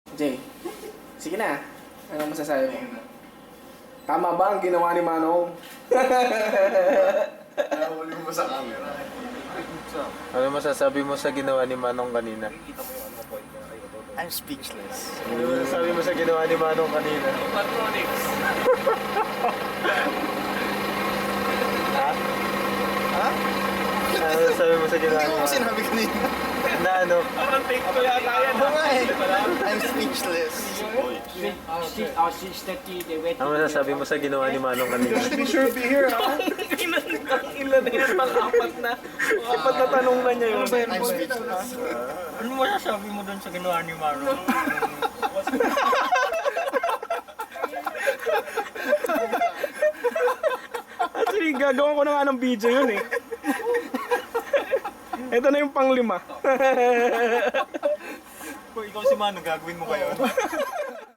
Jay, sige na. Anong masasabi mo? Tama ba ang ginawa ni Manong? Nahuli mo ba sa camera? Ano masasabi mo sa ginawa ni Manong kanina? I'm speechless. Ano masasabi mo sa ginawa ni Manong kanina? Patronics. Ha? Ha? Ano masasabi mo sa ginawa Hindi ni ko Manong? sinabi kanina. Na ano? Parang take ko yata yan. Oo nga eh. I'm speechless. Ano masasabi mo sa ginawa ni Manong kanina? Be sure to be here, ha? Ilan na yun? Pang-apat na. Apat na tanong na niya yun. I'm speechless. Ano masasabi mo doon sa ginawa ni Maro? Actually, gagawin ko na nga ng video yun eh. Ito na yung pang-5. Kung ikaw si Mano, gagawin mo ba yun?